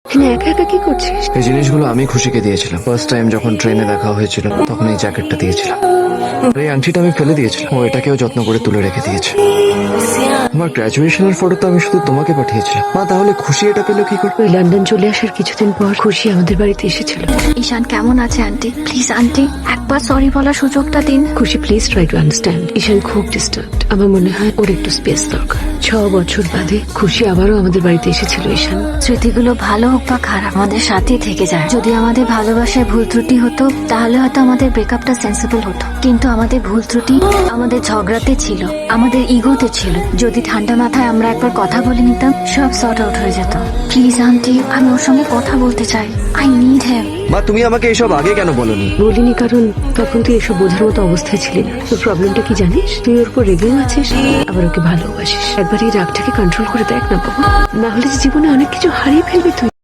একা একা কি করছিস? এই জিনিসগুলো আমি খুশিকে দিয়েছিলাম। ফার্স্ট টাইম যখন ট্রেনে দেখা হয়েছিল তখন এই জ্যাকেটটা দিয়েছিলাম। আর এই আংটিটা আমি ফেলে দিয়েছিলাম, ও এটাকেও যত্ন করে তুলে রেখে দিয়েছে। আমার গ্রাজুয়েশনের ফটো তো আমি শুধু তোমাকে পাঠিয়েছিলাম। মা, তাহলে খুশি এটা পেলো কি করে? ওই লন্ডন চলে আসার কিছুদিন পর খুশি আমাদের বাড়িতে এসেছিল। ঈশান কেমন আছে আন্টি? প্লিজ আন্টি একবার সরি বলার সুযোগটা দিন। Khushi please try to understand. Ishaan খুব ডিস্টার্বড। আমার মনে হয় ওর একটু স্পেস দরকার। 6 বছর বাদে খুশি আবারও আমাদের বাড়িতে এসেছিল। ঈশান, স্মৃতিগুলো ভালো হোক বা খারাপ আমাদের সাথেই থেকে যায়। যদি আমাদের ভালোবাসায় ভুল ত্রুটি হতো তাহলে হয়তো আমাদের ব্রেকআপটা সেন্সিবল হতো, কিন্তু আমাদের ভুল ত্রুটি আমাদের ঝগড়াতে ছিল, আমাদের ইগোতে ছিল। যদি ঠান্ডা মাথায় আমরা একবার কথা বলে নিতাম সব সর্ট আউট হয়ে যেত। প্লিজ আন্টি, আমি ওর সঙ্গে কথা বলতে চাই। I need him. মা, তুমি আমাকে এসব আগে কেন বলনি? বলিনি কারণ তখন তুই এসব বোঝার মতো অবস্থায় ছিলি না। তোর প্রবলেমটা কি জানিস? তুই ওর উপর রেগেও আছিস, আবার ওকে ভালোবাসিস। একবার এই রাগটাকে কন্ট্রোল করে দেখ না বাবা, না হলে জীবনে অনেক কিছু হারিয়ে ফেলবি তুই।